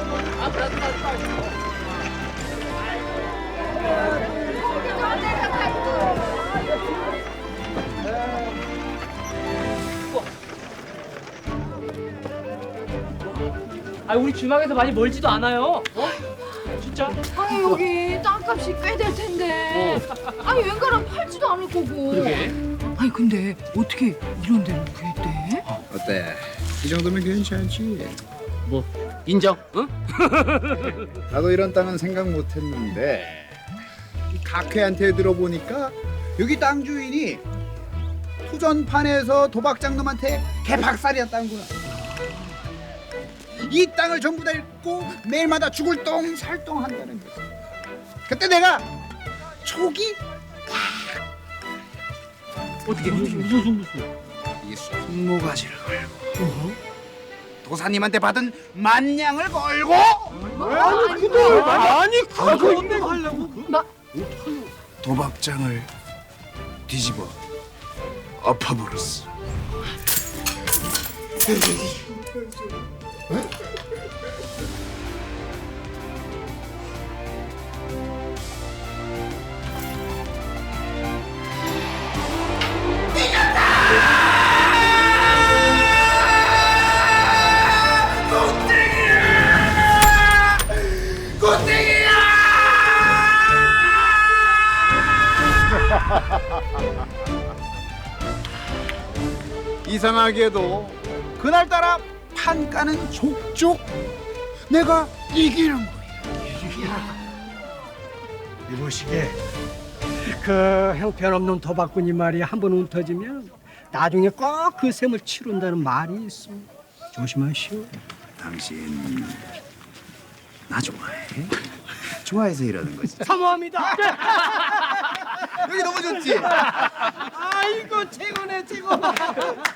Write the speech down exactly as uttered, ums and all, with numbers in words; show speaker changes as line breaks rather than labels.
아, 우리 주막에서 많이 멀지도 않아요. 어? 진짜?
아니 여기 땅값이 꽤 될 텐데. 아니 웬가랑 팔지도 않을 거고.
그러게.
아니 근데 어떻게 이런 데를 구했대?
어때? 이 정도면 괜찮지.
뭐 인정? 응?
나도 이런 땅은 생각 못했는데 이 각회한테 들어보니까 여기 땅 주인이 투전판에서 도박장놈한테 개박살이었다는구나. 이 땅을 전부 다 잃고 매일마다 죽을 똥 살똥 한다는 거지. 그때 내가 촉이
어떻게 무슨 무슨 무슨?
이 손모가지를 걸고 도사님한테 받은 만냥을 걸고
아니 근데
아니 그거 어떻게 하려고?
도박장을 뒤집어 엎어버렸어. 이상하게도 그날따라 판가는 족족 내가 이기는 거야.
이보시게 그 형편없는 도박꾼이 말이 한 번 움터지면 나중에 꼭 그 셈을 치른다는 말이 있어. 조심하시오.
당신 나 좋아해? 좋아해서 이러는 거지.
사모합니다.
여기 너무 좋지?
아이고 최고네 최고.